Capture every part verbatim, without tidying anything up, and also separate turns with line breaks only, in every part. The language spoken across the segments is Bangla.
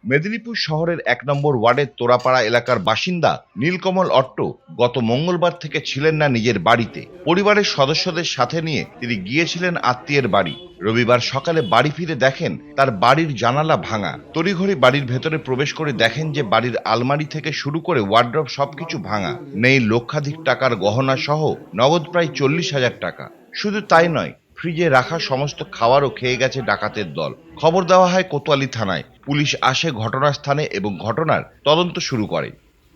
মেদিনীপুর শহরের এক নম্বর ওয়ার্ডের তোরাপাড়া এলাকার বাসিন্দা নীলকমল অট্ট গত মঙ্গলবার থেকে ছিলেন না নিজের বাড়িতে। পরিবারের সদস্যদের সাথে নিয়ে তিনি গিয়েছিলেন আত্মীয়ের বাড়ি। রবিবার সকালে বাড়ি ফিরে দেখেন তার বাড়ির জানালা ভাঙা। তড়িঘড়ি বাড়ির ভেতরে প্রবেশ করে দেখেন যে বাড়ির আলমারি থেকে শুরু করে ওয়ার্ড্রপ সবকিছু ভাঙা। নেই লক্ষাধিক টাকার গহনা সহ নগদ প্রায় চল্লিশ হাজার টাকা। শুধু তাই নয়, ফ্রিজে রাখা সমস্ত খাবারও খেয়ে গেছে ডাকাতের দল। খবর দেওয়া হয় কোতোয়ালি থানায়। পুলিশ আসে ঘটনাস্থানে এবং ঘটনার তদন্ত শুরু করে।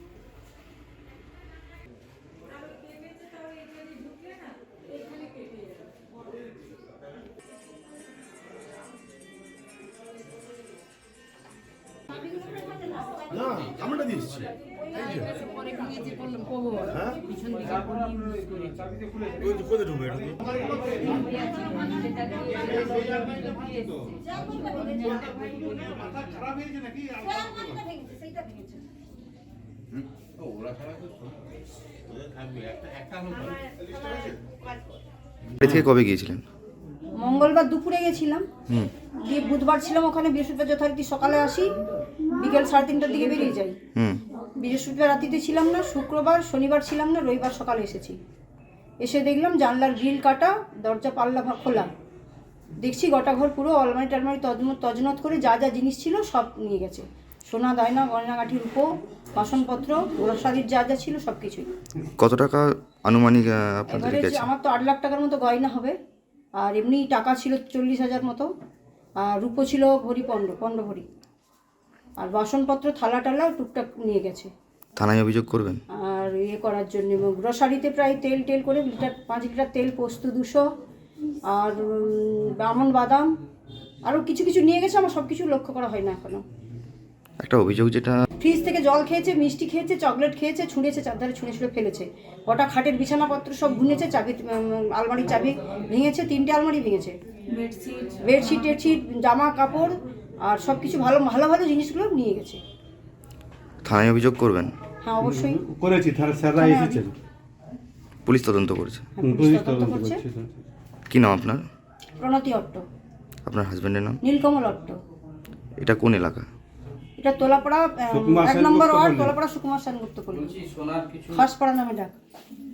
না আমরা দিয়েছি কোথায় ঢুকবে এটা
থেকে কবে গিয়েছিলেন?
মঙ্গলবার দুপুরে গেছিলাম, দিয়ে বুধবার ছিলাম ওখানে, বৃহস্পতিবার যথারীতি সকালে আসি, বিকেল সাড়ে তিনটার দিকে বেরিয়ে যাই। বৃহস্পতিবার রাত্রিতে ছিলাম না, শুক্রবার শনিবার ছিলাম না, রবিবার সকালে এসেছি। এসে দেখলাম জানলার গ্রিল কাটা, দরজা পাল্লা খোলা। দেখছি গোটা ঘর পুরো আলমারি টালমারি তজমত তজনত করে যা যা জিনিস ছিল সব নিয়ে গেছে। সোনা দায়না গয়নাগাঠি রূপো বাসনপত্র গ্রসারির যা যা ছিল সব কিছুই।
কত টাকা আনুমানিক আপনাদের
এবারে
গেছে?
আমার তো আট লাখ টাকার মতো গয়না হবে, আর এমনি টাকা ছিল চল্লিশ হাজার মতো, আর রূপো ছিল ভরি পনেরো পনেরো ভরি, আর বাসনপত্র থালা টালা টুকটাক নিয়ে গেছে।
থানায় অভিযোগ করবেন?
আর ইয়ে করার জন্য গ্রসারিতে প্রায় তেল টেল করে লিটার পাঁচ লিটার তেল, পোস্ত দুশো, আর আমন বাদাম আরও কিছু কিছু নিয়ে গেছে। আমার সব কিছু লক্ষ্য করা হয় না এখনো।
একটা অভিযোগ যেটা
ফ্রিজ থেকে জল খেয়েছে, মিষ্টি খেয়েছে, চকলেট খেয়েছে, ছুঁড়েছে, চারধারে ছুঁড়ে ছুঁড়ে ফেলেছে। গোটা খাটের বিছানাপত্র সব ভুনেছে, চাবি আলমারির চাবি ভেঙেছে, তিনটে আলমারি ভেঙেছে, বেডশিট বেডশিট টেডশিট জামা কাপড় আর সব কিছু ভালো ভালো ভালো জিনিসগুলো নিয়ে গেছে।
থানায় অভিযোগ করবেন?
হ্যাঁ অবশ্যই
করেছি, স্যাররা এসেছেন,
পুলিশ তদন্ত করেছে।
হ্যাঁ, পুলিশ তদন্ত করছে।
কি নাম আপনার?
প্রণতি অট্ট।
আপনার হাজবেন্ডের নাম?
নীলকমল অট্ট।
এটা কোন এলাকা?
এটা তোলাপাড়া এক নম্বর ওয়ার্ড, তোলাপাড়া সুকুমার সেনগুপ্ত পল্লী, খাসপাড়া নামে ডাক।